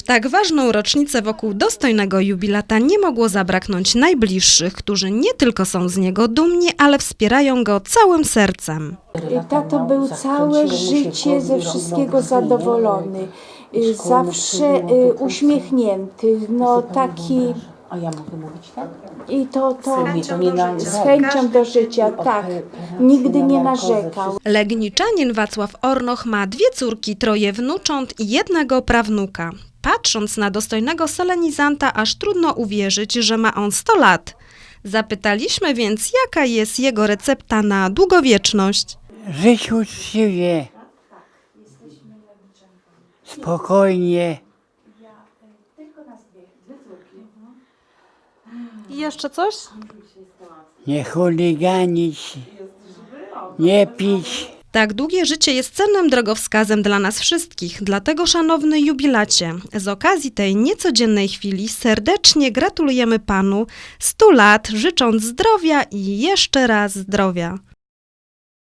W tak ważną rocznicę wokół dostojnego jubilata nie mogło zabraknąć najbliższych, którzy nie tylko są z niego dumni, ale wspierają go całym sercem. Tato był całe życie ze wszystkiego zadowolony, zawsze uśmiechnięty, no taki... A ja mogę mówić tak? I to z chęcią do życia, tak. Nigdy nie narzekał. Legniczanin Wacław Ornoch ma 2 córki, 3 wnucząt i 1 prawnuka. Patrząc na dostojnego solenizanta, aż trudno uwierzyć, że ma on 100 lat. Zapytaliśmy więc, jaka jest jego recepta na długowieczność. Żyć uczciwie, spokojnie. I jeszcze coś? Nie chuliganić, nie pić. Tak długie życie jest cennym drogowskazem dla nas wszystkich, dlatego szanowny jubilacie, z okazji tej niecodziennej chwili serdecznie gratulujemy Panu 100 lat, życząc zdrowia i jeszcze raz zdrowia.